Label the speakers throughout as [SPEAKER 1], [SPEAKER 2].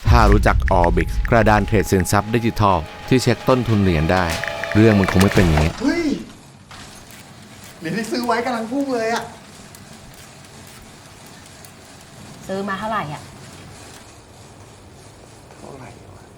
[SPEAKER 1] ถ้ารู้จัก Orbix กระดานเทรดสินทรัพย์ดิจิทัลที่เช็คต้นทุนเหรียญได้ เรื่องมันคงไม่เป็นอย่างนี้
[SPEAKER 2] เฮ้ยเหรียญที่ซื้อไว้กำลังพุ่งเลยอะ
[SPEAKER 3] ซื้อมาเท่าไหร่อ่ะ
[SPEAKER 2] เท่าไหร่วะ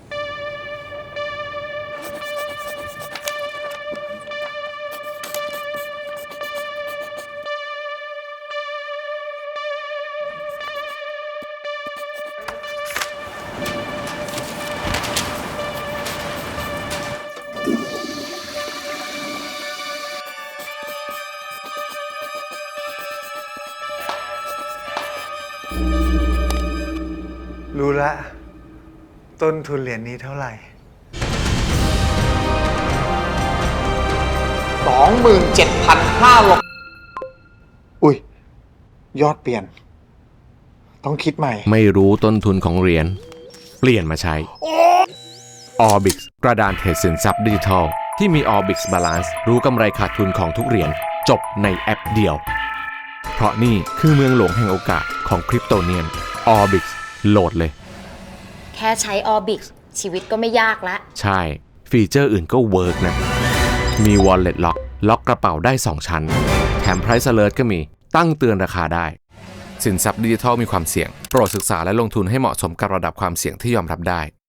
[SPEAKER 2] รู้ละต้นทุนเหรียญนี้เท่าไหร่
[SPEAKER 4] 27,500
[SPEAKER 2] อุ้ย ยอดเปลี่ยน ต้องคิดใหม่
[SPEAKER 1] ไม่รู้ต้นทุนของเหรียญเปลี่ยนมาใช้ Orbix กระดานเทรดสินทรัพย์ดิจิทัลที่มี Orbix Balance รู้กำไรขาดทุนของทุกเหรียญจบในแอปเดียว เพราะนี่คือเมืองหลวงแห่งโอกาสของคริปโตเนียน Orbix โหลดเลย
[SPEAKER 3] แค่ใช้ Orbix ชีวิตก็ไม่ยากละ
[SPEAKER 1] ใช่ ฟีเจอร์อื่นก็เวิร์กนะ มี Wallet Lock ล็อกกระเป๋าได้ 2 ชั้น แถม Price Alert ก็มีตั้งเตือนราคาได้ สินทรัพย์ดิจิทัลมีความเสี่ยง โปรดศึกษาและลงทุนให้เหมาะสมกับระดับความเสี่ยงที่ยอมรับได้